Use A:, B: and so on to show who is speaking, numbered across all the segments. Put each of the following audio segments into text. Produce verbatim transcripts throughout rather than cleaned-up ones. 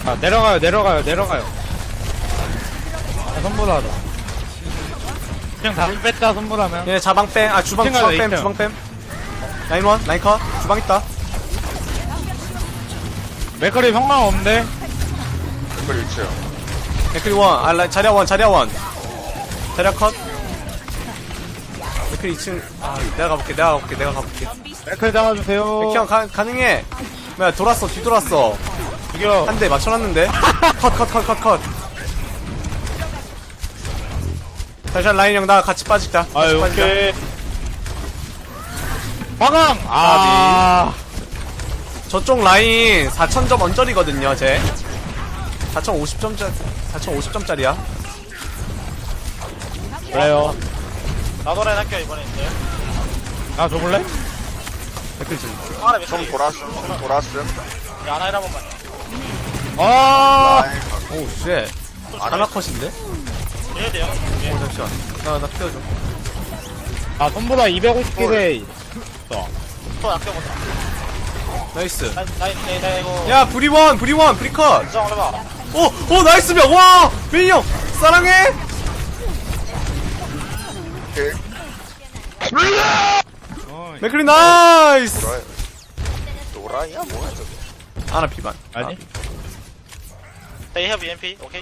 A: 아, 내려가요, 내려가요, 내려가요. 아, 손보다하다. 그냥 다 뺐다, 손보다면.
B: 얘 자방 뺑, 아 주방 주방 뺨
A: 있어요.
B: 주방 뺨. 라인 원 라인 컷 주방 있다.
A: 맥거리 성공 없는데?
C: 그걸 있어요.
B: 맥크리 원, 아 라인 자리야 원 자리야 원. 자리야 컷. 맥크리 이 층. 아 내가 가볼게 내가 가볼게 내가 가볼게.
A: 맥거리 잡아주세요.
B: 맥형 가 가능해. 뭐야 돌았어 뒤돌았어.
A: 죽여.
B: 한 대 맞춰놨는데. 컷 컷 컷 컷 컷. 다시 라인 형 나 같이 빠지자. 같이
A: 아유,
B: 빠지자.
A: 오케이. 화강! 아,
B: 저쪽 라인 사천 점 언저리거든요, 쟤. 사천오십 점짜리, 사천오십 점짜리야.
A: 그래요.
D: 나도 라인 할게요 이번에 이제.
A: 나 줘볼래?
B: 댓글 좀.
D: 하나 몇
C: 좀
D: 개?
C: 돌았음. 좀 돌았음.
D: 야 하나 한 번만.
A: 아,
C: 라인
B: 오, 쉣. 하나 컷인데?
D: 해야 돼요. 예.
B: 오, 잠시만. 나, 나 키워줘.
A: 아, 손보다 이백오십 개 돼.
D: 또 아껴보자.
B: 나이스.
D: 라인 라인 라인 라인 이거.
B: 야, 브리원, 브리원, 브리컷.
D: 인정 해봐.
B: 오, 오, 나이스 명. 와! 메인 형! 사랑해!
C: 오케이.
B: 맥클리 나이스!
C: 돌아요. 노라이야 뭐야 저거.
B: 아나 피반.
A: 아니?
D: They have 이엠피. 오케이.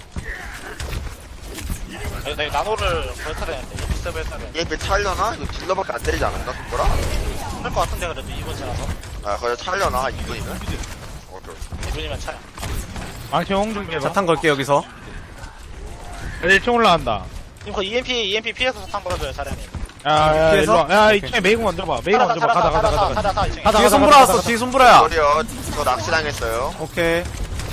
D: 아니 나 나노를 벌써야 되는데 비슷해 벌써야 돼.
C: 얘배 차려나? 이거 딜러밖에 안 때리지 않았나? 손보라?
D: 할것 같은데 그래도 이번 지나서
C: 아 거기 차려나? 이분이면? 오케이.
D: 이분이면 차야.
A: 망치 홍준비 해봐.
B: 자탄 걸게, 여기서.
A: 일 층 올라간다.
D: 이거 그 이엠피 이엠피 피해서 사탕 걸어줘요 사장님.
A: 야, 야,
B: 피해서?
A: 일로 와. 야, 이층에 메이공 먼저 봐. 메이공 먼저 봐. 가자, 가자, 가자, 가자.
D: 가자 가자 이층에.
A: 가자,
B: 뒤에
A: 가자,
B: 손보라
A: 가자,
B: 왔어,
A: 가자.
B: 뒤에 손보라야.
C: 소리요. 저 낚시당했어요.
B: 오케이.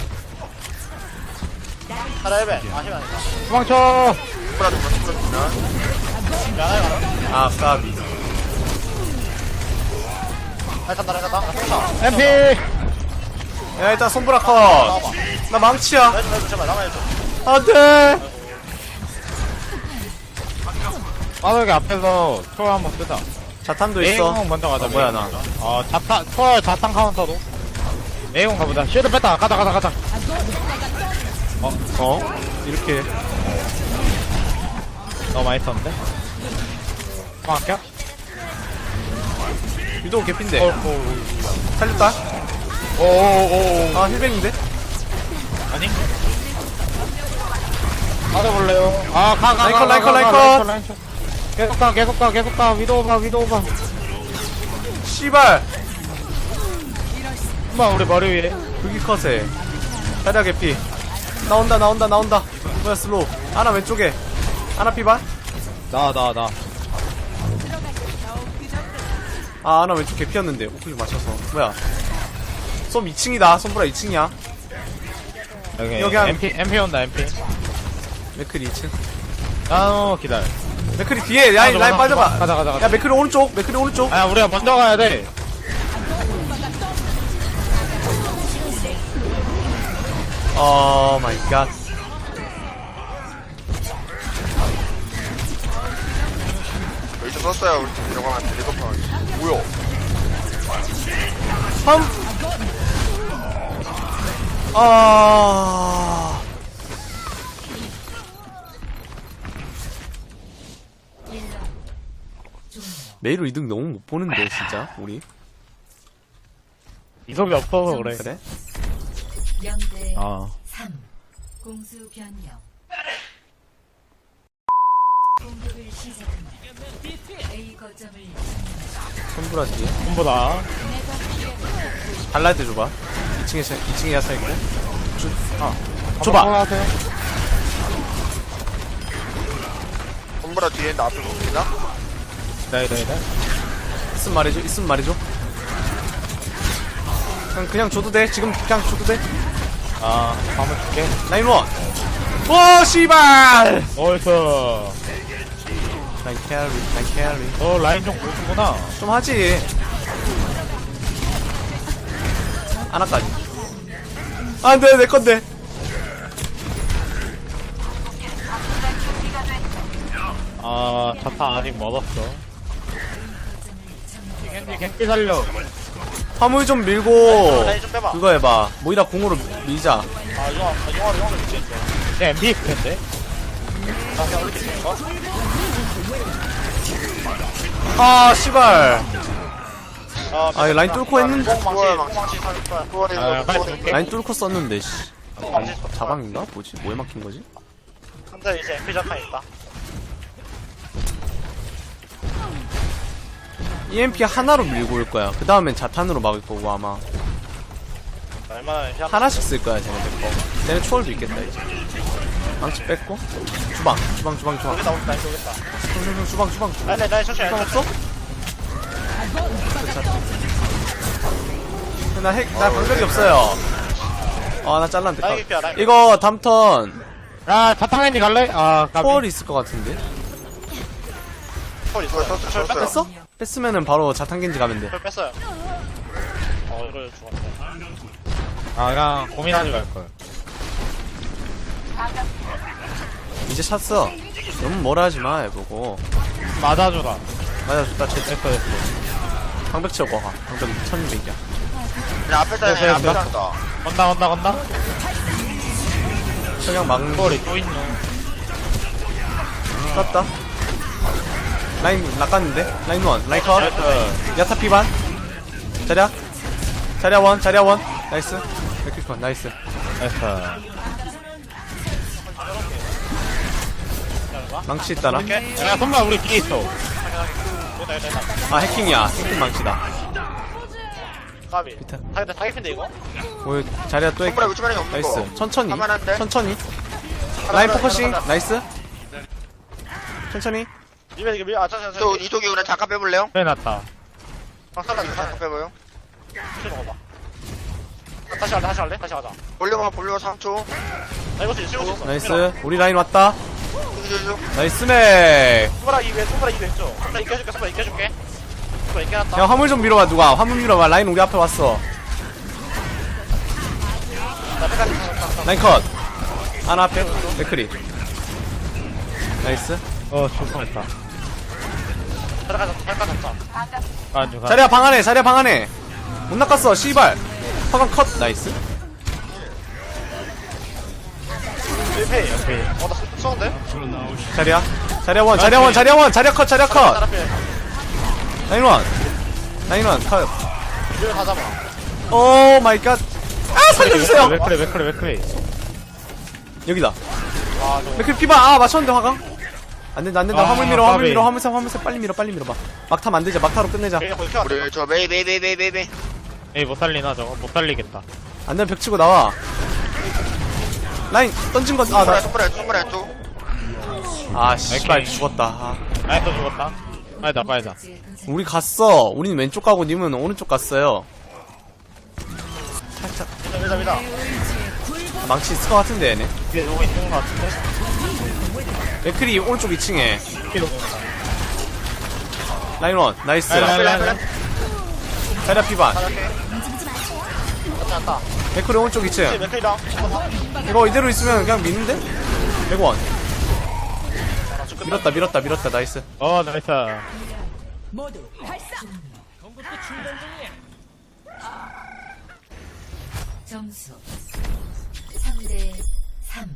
D: 하나 일배. 아 힘이 아니다.
A: 도망쳐.
C: 손보라 좀 손보라 주면.
D: 야 하나 가라.
B: 아, 까비.
D: 라인 간다 라인 간다. 나 쏜다.
A: 엠피.
B: 야, 일단 손보라 컷.
D: 나와봐.
B: 나 망치야.
D: 라인 좀 해줘 제발 남아야줘.
B: 안 돼!
A: 빠르게 앞에서 초월 한번 쓰자.
B: 자탄도 있어.
A: 메이공 먼저 가자.
B: 아, 뭐야,
A: 메이공
B: 나.
A: 먼저. 어, 자탄, 초월 자탄 카운터도. 메이공 가보자. 쉴드 뺐다. 가자, 가자, 가자.
B: 어? 어? 이렇게.
A: 너무 많이 썼는데? 고맙게.
B: 유도 개핀데.
A: 어, 어,
B: 살렸다.
A: 오오오.
B: 아, 힐백인데?
A: 아니? 가져볼래요? 아, 가, 가, 가,
B: 라이컨,
A: 가,
B: 라이컨,
A: 가, 가,
B: 라이컨.
A: 라이컨. 계속 가, 계속 가, 계속 가. 위도우 봐, 위도우 봐.
B: 씨발!
A: 엄마, 우리 머리 위에.
B: 불기 컷에. 자리야 개피. 나온다, 나온다, 나온다. 뭐야, 슬로우. 하나 왼쪽에. 하나 피반?
A: 나, 나, 나.
B: 아, 하나 왼쪽 개피였는데. 오클릭 맞춰서. 뭐야. 솜 이 층이다. 솜브라 이 층이야.
A: 여기,
B: 여기 한-
A: 엠피, 엠피 온다, 엠피.
B: 맥클이 이 층.
A: 아, 기다려.
B: 맥클이 뒤에. 라인,
A: 가자,
B: 라인
A: 가자,
B: 빠져봐.
A: 가자, 가자, 가자.
B: 야, 맥클이 오른쪽. 맥클이 오른쪽.
A: 아, 우리가 먼저 가야 돼.
B: 어, 마이 갓.
C: 여기서 썼어요. 우리 팀 이러고 한 일곱 번. 뭐야?
B: 삼. 아. 메이로 이득 너무 못 보는데, 진짜, 우리.
A: 이속이 없어서 그래.
B: 그래?
E: 영대
A: 아.
E: 삼 공수 변경 공격을 시작합니다. A 거점을
B: 손브라 뒤에.
A: 손보다.
B: 발라드 줘봐. 이 층에, 이 층에 야사 있고. 주, 아.
A: 한번
B: 줘봐.
A: 하세요.
C: 손보라 뒤에 있는데 앞에 못 보이나?
A: 네, 네, 네.
B: 있으면 말해줘, 있으면 말해줘. 그냥, 그냥 줘도 돼. 지금 그냥 줘도 돼.
A: 아, 한번 줄게.
B: 라인 원. 오, 씨발!
A: 어이서.
B: 라인 캐리, 라인 캐리.
A: 너 라인 좀 보는구나.
B: 좀 하지. 하나까지. 안 돼, 내 건데.
A: 아, 자타 아직 멀었어. 겐지, 겐지 살려.
B: 화물 좀 밀고
D: 라인 좀 빼봐.
B: 그거 해봐. 모이라 공으로 밀자.
D: 아 용화 아, 용화를 용화를 미치겠어.
A: 쟤 엠비에프인데?
D: 나 그냥 이렇게 되는 거?
B: 아 씨발.
D: 아,
B: 아, 라인 뚫고 했는데.
D: 뽕망치 뽕망치 살릴 거야.
C: 구원이
A: 아, 빨리
C: 구원이
A: 줄게.
B: 라인 뚫고 썼는데 씨.
D: 뽕망치
B: 자방인가? 뭐지? 뭐에 막힌 거지?
D: 근데 이제 엠피 자탄 있다.
B: 이엠피 하나로 밀고 올 거야. 그 다음엔 자탄으로 막을 거고 아마
D: 얼마나 엠피 한
B: 하나씩 쓸 거야 쟤네들 거. 쟤네 초월도 있겠다 이제. 망치 뺐고 주방 주방 주방 주방
D: 여기다 온다 여기다.
B: 주방 주방 주방 주방
D: 라인 라인 천천히
B: 주방
D: 라인
B: 없어? 나 핵, 나 방벽이 없어요. 아, 나 잘랐는데.
D: 라인 개피야, 라인.
B: 이거 다음 턴
A: 야 자탕엔지 갈래? 아 까비.
B: 초월이 있을 것 같은데.
D: 펄 있어요.
C: 썼어,
D: 펄
C: 썼어요.
D: 뺐어?
B: 뺐어? 뺐으면은 바로 자탄겐지 가면 돼.
D: 펄 뺐어요. 어 이걸 죽었네.
A: 아 그냥 고민하지 말걸.
B: 이제 찼어. 너무 뭐라 하지 마, 해보고.
A: 맞아주라.
B: 맞아, 좋다, 쳤
A: 됐어 됐어.
B: 방벽 채우고 가. 방벽 천이백이야.
C: 그냥 앞에 다니
A: 됐어요,
C: 앞에
A: 됐어.
C: 다니다
A: 건다 건다 건다.
B: 그냥 막는 거
A: 머리 또 있노.
B: 쐈다. 라인 낚았는데? 라인 원, 라인 컷. 야타 피반. 자리야. 자리야 원, 자리야 원. 나이스. 백킬 컷, 나이스.
A: 됐어.
B: 망치 있다나?
A: 야 손만 우리 뒤에 있어.
D: 여기다 여기다 여기다.
B: 아, 해킹이야. 해킹 망치다.
D: 까비.
B: 비타.
D: 타겟 타겟인데 이거?
B: 뭐, 자리야 또
C: 손가락
B: 해킹.
C: 우주만이 없는 거
B: 나이스. 천천히.
C: 가만한데?
B: 천천히.
C: 하나,
B: 라인
C: 하나,
B: 포커싱.
C: 하나, 하나.
B: 나이스. 천천히.
D: 이면 이거 밀 아짜
C: 저 이쪽에 그냥 잠깐 빼볼래요?
A: 빼놨다.
D: 박살나게
C: 잠깐 빼봐요
D: 킬 먹어봐. 아, 다시 할래 다시 할래 다시 하자.
C: 볼륨아 볼륨아 삼 초
D: 나 이거 쓸수 있어.
B: 나이스. 우리 라인 왔다.
C: 쭉
B: 나이스 맥.
D: 손가락 이외 손가락 이외 쪽. 손가락 이겨줄게 손가락 이겨줄게. 손가락 이겨놨다.
B: 야, 화물 좀 밀어봐, 누가. 화물 밀어봐. 라인 우리 앞에 왔어.
D: 나 빼가지 다
B: 라인 컷. 하나 앞에. 맥크리. 나이스.
A: 어 출동했다.
D: 들어가자 들어가자 잡자.
A: 안 죽어.
B: 자리야 방 안에, 자리야 방 안에. 못 낚았어, 씨발. 화강 컷. 나이스.
D: 일페이.
A: 오케이.
D: 어나 쏘는데?
B: 자리야. 자리야 원, 자리야 원, 자리야 원, 자리야 컷, 자리야 컷.
D: 따라필.
B: 라인 원. 라인 원, 컷.
D: 이걸 다 잡아.
B: 오 마이 갓. 아, 살려주세요.
A: 맥크리 맥크리 맥크리.
B: 여기다.
D: 와 저거.
B: 맥크리 피바. 아, 맞췄는데 화강. 안 된다, 안 된다.
A: 아,
B: 화물 밀어, 화물
A: 까비.
B: 밀어, 화물 세, 화물 세. 빨리 밀어, 빨리 밀어봐. 막타면 안 되지, 막타로 끝내자.
D: 여기 거기 켜왔다.
C: 우리 저 메이 메이 메이 메이 메이 메이
A: 에이 못 살리나 저거 못 살리겠다.
B: 안 되면 벽 치고 나와. 라인 던진 건, 아, 나.
C: 손가락 손가락 손가락 쪽
B: 아, 씨발,
A: 오케이.
B: 죽었다. 아.
A: 아이 또 죽었다. 아니다 빠이다.
B: 우리 갔어. 우린 왼쪽 가고 님은 오른쪽 갔어요. 살짝
D: 밀자 밀자 밀자.
B: 망치 있을 것 같은데 얘네.
D: 이게 오고 있는 거 같은데?
B: 맥크리 오른쪽 이 층에
A: 키로.
B: 라인원 나이스.
A: 라인, 라인, 라인, 라인.
B: 자리야 피반.
D: 잘할게. 맞지 않다.
B: 맥크리 오른쪽 이 층.
D: 맥클이랑
B: 이거 이대로 있으면 그냥 미는데? 백원. 밀었다 밀었다 밀었다 나이스.
A: 어 나이스.
E: 점수 삼 대 삼.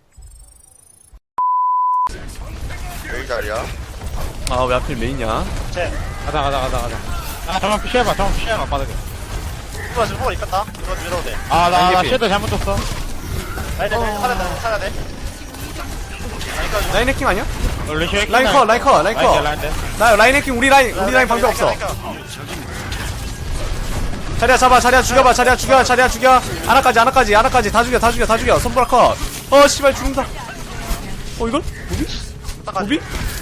C: 메이 자리야
B: 아 왜 하필 메인이야?
D: 쟤.
A: 가자 가자 가자 가자. 아 잠깐 피해봐 잠깐 피해봐 빠르게.
D: 누가 지금 호흡 있겠다. 이거 밀어도 돼.
A: 아나 나
B: 라인 개피.
A: 쉐드 잘못 줬어.
D: 라인 돼 살아야 돼 살아야 돼. 라인까지.
B: 라인 해킹 아니야?
A: 어, 루시 해킹
B: 라인 컷 라인 컷 라인 컷.
A: 라인 돼.
B: 나 라인 해킹 우리 라인 우리 라인 방법 없어. 자리야 잡아 자리야 죽여봐 자리야 죽여 자리야 죽여. 하나까지 하나까지 하나까지 다 죽여 다 죽여 다 죽여. 손보라 컷. 어 씨발 죽는다. 어 이걸? 무비? 무비?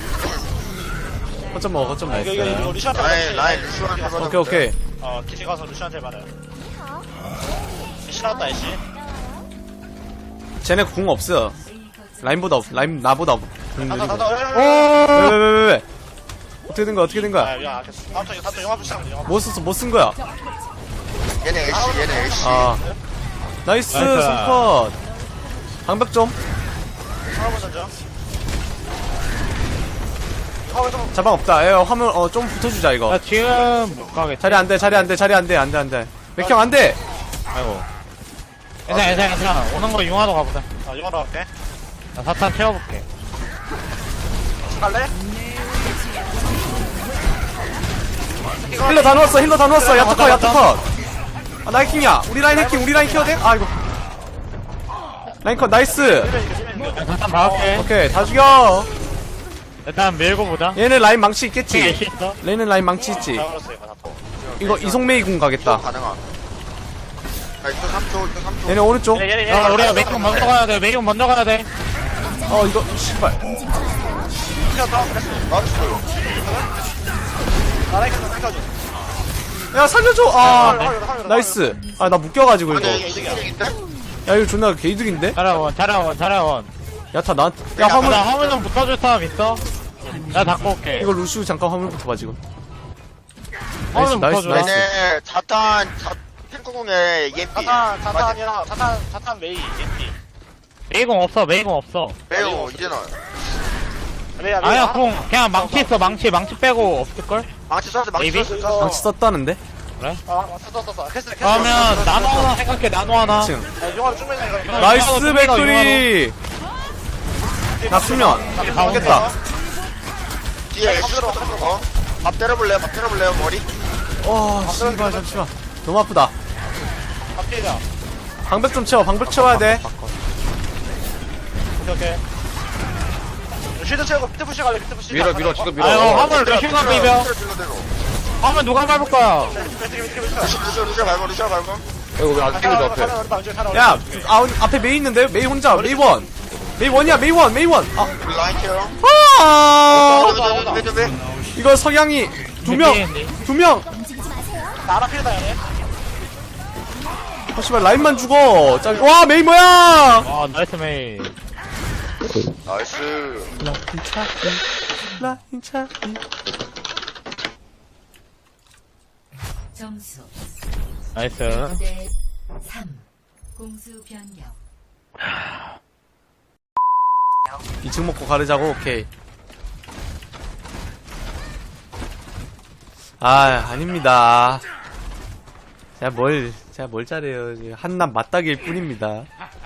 B: 거점 먹어 거점
D: 이거 이거 이거
B: 나이스.
D: 루시한테
C: 라인 라인
D: 받았지.
C: 루시안 잡아
B: 오케이 오케이.
D: 어 기지 가서 루시한테 받아요. 신났다 이씨.
B: 쟤네 궁 없어. 라인보다 없 라인 나보다 없. 궁
D: 가자
B: 느리고.
D: 가자.
B: 왜왜왜왜 어떻게 된 거야 어떻게 된 거야?
D: 아 미안 알겠어. 다음 턴 다음 턴 영화 붙이자 영화.
B: 뭐 썼어 뭐 쓴 거야?
C: 얘네 애쉬 얘네 애쉬
B: 아 나이스
A: 나이스.
B: 손컷. 방벽 좀.
D: 하나 보자 죠 화물 좀
B: 자방 없다. 예, 화물, 어, 좀 붙어주자, 이거.
A: 나 지금 못 가겠지.
B: 자리 안 돼, 자리 안 돼, 자리 안 돼, 안 돼, 안 돼. 맥형 안 돼!
A: 아이고. 괜찮아, 괜찮아, 괜찮아. 오는 거 융화도 가보자.
D: 아 이거로 갈게.
A: 나 사탄 채워볼게.
D: 갈래?
B: 힐러 다 넣었어, 힐러 다 넣었어. 야타 컷, 야타 컷. 아, 나이킹이야. 우리 라인 해킹, 우리 라인 키워야 돼? 아이고. 라인 컷, 나이스.
A: 야, 사탄 박을게.
B: 오케이, 다 죽여.
A: 일단 밀고 보자.
B: 얘는 라인 망치
A: 예,
B: 있겠지?
A: 있어.
B: 얘는 라인 망치 있지?
D: 잡았어 이거 다 또.
B: 이거 이송메이 궁 가겠다.
C: 가능함. 나 이쪽 삼 초, 이쪽 삼 초.
B: 얘네 오른쪽?
D: 얘네 얘네.
A: 야, 우리가 메이공 먼저 가야 돼. 메이공 먼저 가야 돼.
B: 어, 이거, 씨발.
D: 튀었다. 그랬어.
C: 나이스.
D: 나라이크 땡겨줘.
B: 야, 살려줘! 아, 나이스. 아, 나 묶여가지고, 이거.
C: 아니, 이게 이득인데?
B: 야, 이거 존나 개이득인데?
A: 자라원, 자라원, 자라원.
B: 야타, 나한테. 야,
A: 화물,
B: 화물.
A: 나 화물 좀 붙어줄 사람 있어? 나 닦고 올게.
B: 이거 루시우 잠깐 화물부터 봐, 지금.
A: 화물 좀
B: 나이스,
A: 붙어줘.
B: 나이스.
C: 얘네 자탄, 자, 탱크공에 이엠피.
D: 자탄 자탄 아니라 자탄 자탄 메이 엠피.
A: 메이공 없어, 메이공 없어.
C: 매우, 이제는.
D: 메이야 메이.
A: 아니야, 공. 그냥 망치 있어, 망치. 망치 빼고 없을걸?
C: 망치 쐈어, 망치
A: 메이비?
C: 쐈어, 쐈어.
B: 망치 썼다는데?
D: 아 썼어 썼어. 캐스 캐스.
A: 그러면 나노 하나 생각해, 나노 하나.
B: 지금.
D: 용화로 쭉 밀는 거.
B: 나이스,
A: 융화로
B: 맥크리! 나 수면. 하겠다.
C: 뒤에 애쉬로 어? 밥 때려볼래요? 밥 때려볼래요? 머리?
B: 어, 씨발, 잠시만. 너무 아프다.
D: 앞뒤자.
B: 방벽 좀 채워, 방벽 채워야 돼.
D: 오케이 오케이. 쉴드 채우고 피트 푸시 갈래 피트 푸시.
C: 밀어, 밀어, 지금 밀어.
A: 아이고, 화물 루시가 비벼. 화물 누가 밟을 거야?
C: 루시, 루시, 루시 밟아, 루시 밟아.
B: 야, 아, 앞에 메이 있는데? 메이 혼자, 메이 원. 메이 원이야, 메이 원, 메이 원. 아,
C: 우리 라인 케어.
B: 아,
C: 왜, 왜, 왜, 왜?
B: 이거 석양이 두 명, 두 명.
D: 나라 필다 얘네.
B: 아, 씨발, 라인만 죽어. 짜 와, 메이 뭐야?
A: 아, 나이스 메이.
C: 나이스.
B: 라인 차이, 라인 차이.
E: 점수
A: 나이스.
E: 대 삼. 공수 변경.
B: 이 층 먹고 가르자고, 오케이. 아, 아닙니다. 제가 뭘, 제가 뭘 잘해요. 한낱 맞닥일 뿐입니다.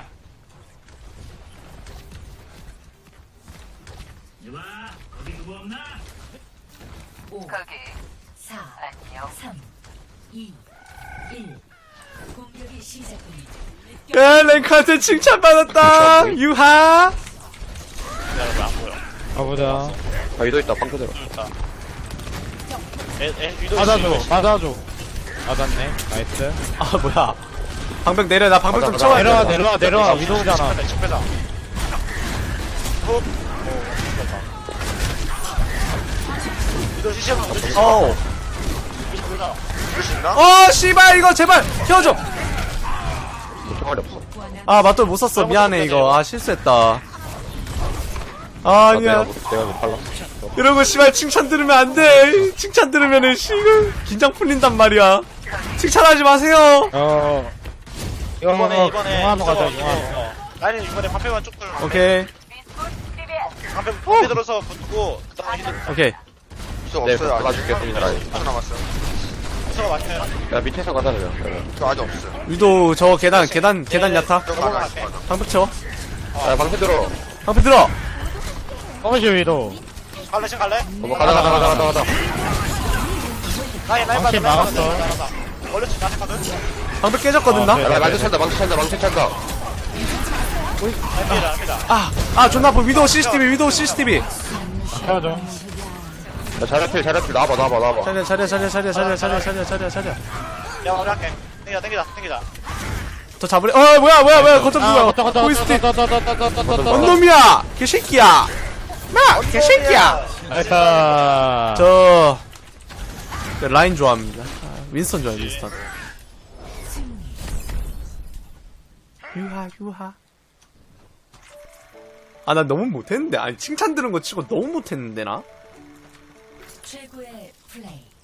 E: 오, 사, 삼, 이, 일. 공격이 시작됩니다.
B: 야, 랭크한테 칭찬받았다! 유하!
A: 가보자.
C: 아, 위도 있다, 방패 들어.
D: 에 위도
A: 받아줘, 받아줘. 받았네. 나이스.
B: 아, 뭐야. 방벽 내려, 나 방벽 좀
C: 가자,
B: 채워야
A: 내려와,
B: 돼.
A: 내려와, 내려와. 위도우잖아.
D: 칙패다. 위도 시시하면 위도 시시하면
B: 어우.
C: 그럴 수 있나?
B: 어, 씨발, 이거 제발, 키워줘!
C: 총알이 없어.
B: 아, 맞돌 못 썼어. 미안해, 이거. 아, 실수했다. 아, 아니야.
C: 내가 못 팔라.
B: 이러고, 씨발, 칭찬 들으면 안 돼. 칭찬 들으면은, 씨발, 긴장 풀린단 말이야. 칭찬하지 마세요.
A: 어. 이거
D: 이번에 이번에
A: 융화로 가자,
D: 이거,
A: 융화로.
D: 어, 라인은 이번에 방패만 쭉 들어.
B: 오케이,
D: 방패 방패 들어서 붙고 그다음에 히든
B: 오케이.
C: 수 없어요. 아직
F: 받아줄겠습니다.
C: 수 남았어요.
D: 수가 많아요.
F: 야 밑에서 가자 그냥.
C: 저 아직 없어요.
B: 위도, 저 계단, 계단, 계단 야타.
C: 저거
D: 넘어가,
C: 나가 있어.
B: 방벽 채워.
F: 야 방패 들어.
B: 방벽 들어.
A: 커버시 위도.
D: 갈래 지금 갈래?
F: 어, 가자 가자 가자 가자 가자.
D: 라인 라인
A: 방패
D: 맞아,
A: 막았어.
D: 라인 맞아, 라인 맞아. 원래 지금 나한테 가든.
B: 방벽 깨졌거든, 나?
A: 어,
F: 야 망치 찬다 망치 찬다 망치 찬다.
D: 라인이다 라인이다.
B: 아, 아, 존나 아파. 위도우 씨씨티비, 위도우 씨씨티비.
A: 태워줘.
F: 야 자리필 자리필 나와봐 나와봐 나와봐.
B: 차려, 차려, 차려, 차려, 차려, 차려, 차려, 차려, 차려.
D: 야 우리 할게. 땡기자 땡기자 땡기자.
B: 더 잡으래. 어, 뭐야, 뭐야, 뭐야. 거점
A: 아,
B: 누가.
A: 걷다, 걷다,
B: 보이스틱.
A: 걷다, 걷다, 걷다, 걷다, 걷다, 걷다.
B: 언놈이야! 개새끼야! 나! 개새끼야!
A: 나이스.
B: 저, 저 라인 좋아합니다. 아, 윈스턴 좋아해, 윈스턴. 유하, 유하. 아, 나 너무 못했는데. 아니, 칭찬 들은 거 치고 너무 못했는데, 나?
E: 최고의 플레이.